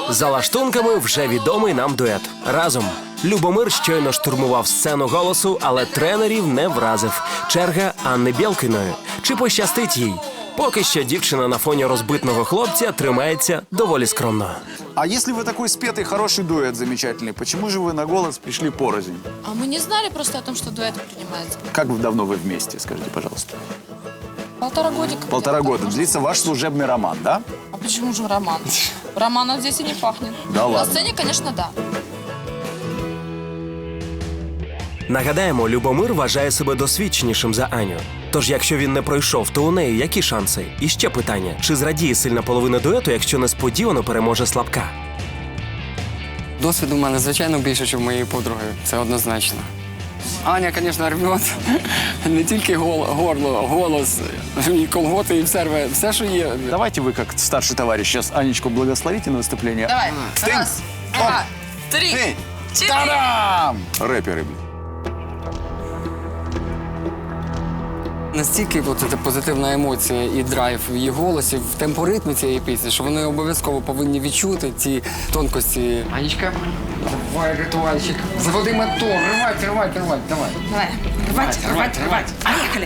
За лаштунками вже відомий нам дует. Разом. Любомир щойно штурмував сцену голосу, але тренерів не вразив. Черга Анни Бєлкіної. Чи пощастить їй? Поки що дівчина на фоні розбитного хлопця тримається доволі скромно. А если вы такой спетый, хороший дуэт замечательный, почему же вы на голос пришли порознь? А мы не знали просто о том, что дуэты принимаются. Как давно вы вместе, скажите, пожалуйста? 1,5 годика. Полтора года. Длится ваш служебный роман, да? А почему же роман? Романом здесь и не пахнет. Да ладно. На сцене, конечно, да. Нагадаємо, Любомир вважає себе досвідченішим за Аню. Тож, якщо він не пройшов, то у неї які шанси? І ще питання, чи зрадіє сильна половина дуету, якщо несподівано переможе слабка? Досвіду в мене, звичайно, більше, ніж у моєї подруги. Це однозначно. Аня, звісно, рвет не тільки горло, голос, і колготи, і все, що є. Давайте вы, как старший товарищ, сейчас Анечку благословите на выступление. Давай. Стынь. Раз, два, три, Ты. четыре. Та-дам! Рэперы, блин. Настільки ця позитивна емоція і драйв в її голосі, в темпоритмі цієї пісні, що вони обов'язково повинні відчути ці тонкості. Анечка, давай ритуальчик, заводи мотор, рвать, давай. Давай, рвать. Поехали.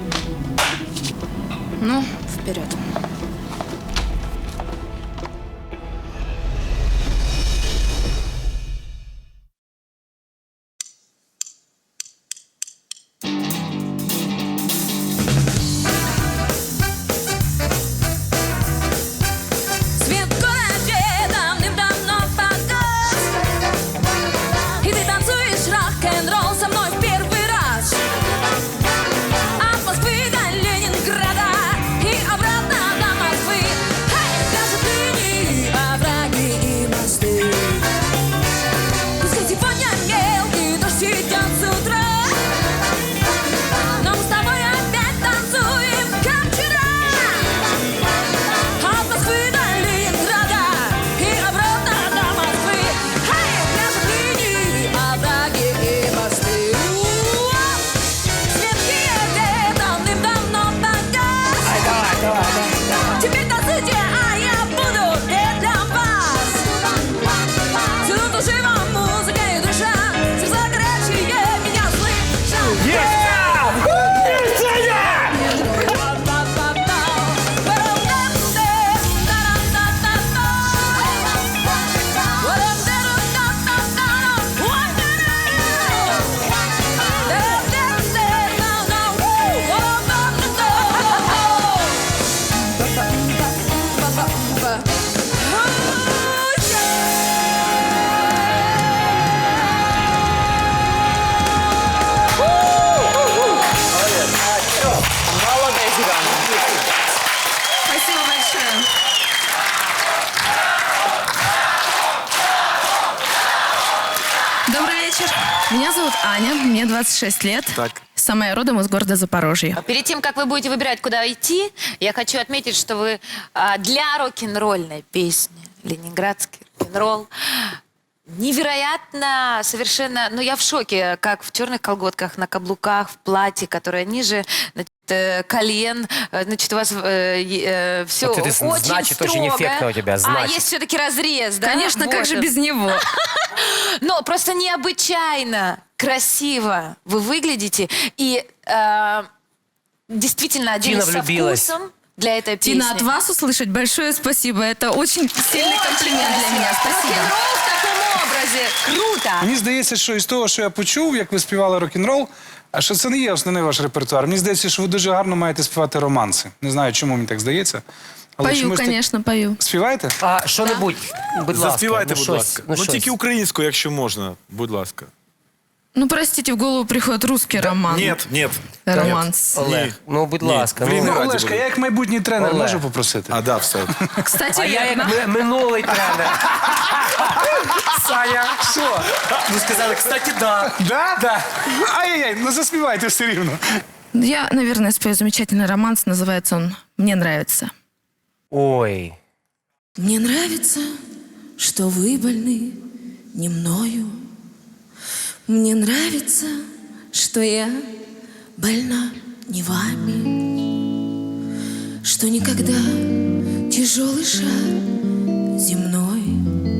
Ну, вперед. Свет в городе давным-давно погас, и ты танцуешь рок-н-ролл со мной в первый раз. От Москвы до Ленинграда и обратно до Москвы. Даже линии, овраги и мосты. Пускай сегодня мелкий дождь идет с утра, но мы с тобой опять танцуем, как вчера. От Москвы до Ленинграда и обратно до Москвы. Пляжи, линии, овраги и мосты. Свет в Киеве давным-давно погас. Теперь танцуйте, а я буду петь для вас. Всюду душева музыка и душа, сердца горячие меня слышат. Спасибо большое. Добрый вечер. Меня зовут Аня, мне 26 лет. Так. Сама я родом из города Запорожье. Перед тем, как вы будете выбирать, куда идти, я хочу отметить, что вы для рок-н-ролльной песни «Ленинградский рок-н-ролл» невероятно, совершенно... Ну, я в шоке, как в черных колготках, на каблуках, в платье, которое ниже, значит, колен. Значит, у вас все Вот это очень значит, строго. очень эффектно у тебя, значит. есть все-таки разрез, да? Конечно, Вот как же он. без него? Но просто необычайно красиво вы выглядите. И действительно один Тина со влюбилась. вкусом для этой песни. Тина, от вас услышать большое спасибо. Это очень сильный комплимент для меня. Спасибо. Рок-н-ролл в таком образе. Круто. Мені здається, що із того, що я почув, як ви співали рок-н-рол, а що це не є основний ваш репертуар. Мені здається, що ви дуже гарно маєте співати романси. Не знаю, чому мені так здається. Але Пою, чомусь так- конечно, пою. Співаєте? А що-небудь, будь ласка. Заспівайте, будь щось, ласка. Ну, тільки українською, якщо можна, будь ласка. Ну, простите, в голову приходит русский роман. Ні. Романс. Олег, ну будь ласка. Блін, Ну, раді Олешка, буду. я як майбутній тренер Олег. можу попросити? А, да, все. Кстати, а я верно. як минулий тренер. Саня, Що? ви сказали, кстати, да. Да? Да. Ай-яй-яй, ну заспівайте все рівно. Я, наверное, спою замечательный романс. Называется он «Мне нравится». Ой. Мне нравится, что вы больны не мною. Мне нравится, что я больна не вами. Что никогда тяжелый шар земной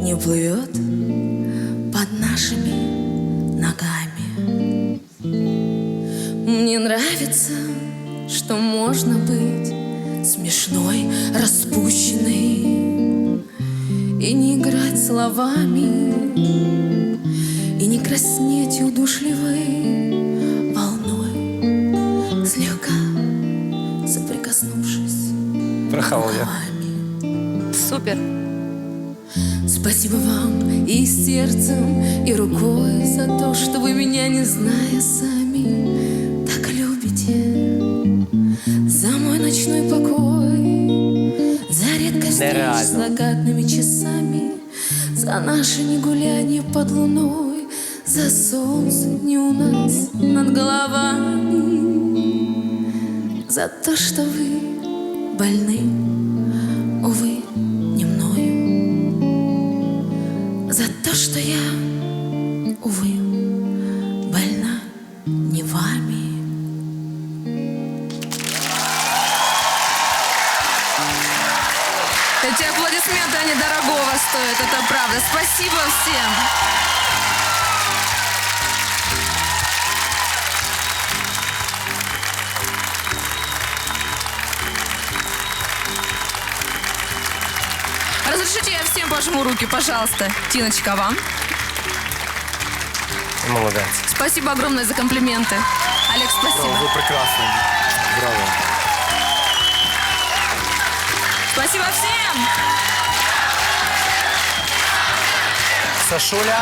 не плывет под нашими ногами. Мне нравится, что можно быть смешной, распущенной и не играть словами, и не краснеть удушливой волной, слегка соприкоснувшись Прохавал я. рукавами. Супер. Спасибо вам и сердцем, и рукой за то, что вы меня, не зная сами, так любите. За мой ночной покой, за редкость встреч с Нереально. закатными часами, за наше негулянье под луной, за солнце не у нас над головами, за то, что вы больны, увы, не мною, за то, что я, увы, больна не вами. Эти аплодисменты, они дорогого стоят, это правда. Спасибо всем. Разрешите, я всем пожму руки, пожалуйста. Тиночка, вам. Молодець. Спасибо огромное за комплименты. Олег, спасибо. Ви прекрасні. Браво. Спасибо всем. Сашуля.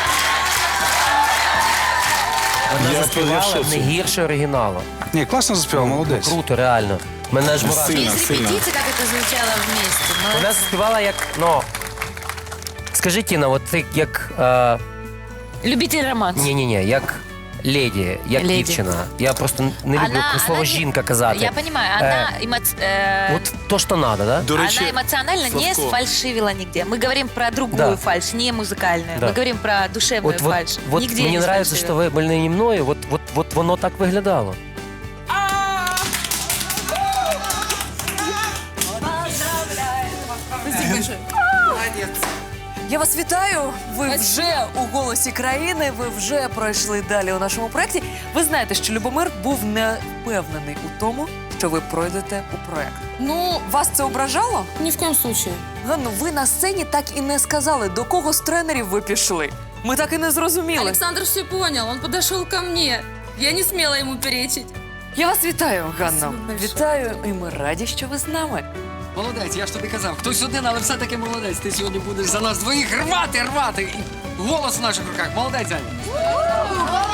Вона Я заспівала в шоці. не гірше оригіналу. Ні, класно заспівав, молодець. Круто, реально. Мене ж мурашки. Сильно, Есть сильно. репетиции, как это звучало вместе. Вона Молодцы. заспівала як, скажи, Тіна, от ти як, Любитель романс. ні-ні-ні, як леді, як Леді. дівчина. Я просто не люблю про слово не- жінка казати. Я понимаю, она, От то, що треба, да? До речі, она эмоционально не Славко. сфальшивила нигде. Мы говорим про другую Да. фальшь, не музыкальную. Да. Мы говорим про душевную фальшь. Вот Нигде мені не подобається, що ви больні не мною, от воно так виглядало. Я вас вітаю. Ви вже у голосі країни. Ви вже пройшли далі у нашому проєкті. Ви знаєте, що Любомир був не впевнений у тому, що ви пройдете у проєкт. Ну, Вас це ображало? ни в коем случае. Ганну, ви на сцені так і не сказали, до кого з тренерів ви пішли. Ми так і не зрозуміли. Александр все понял, он подошел ко мне. Я не смела ему перечить. Я вас вітаю, Ганно. Спасибо большое. Вітаю, і ми раді, що ви з нами. Молодець, я ж тобі казав. Хтось один, але все-таки молодець. Ти сьогодні будеш за нас двоїх рвати. І голос в наших руках. Молодець, Аня.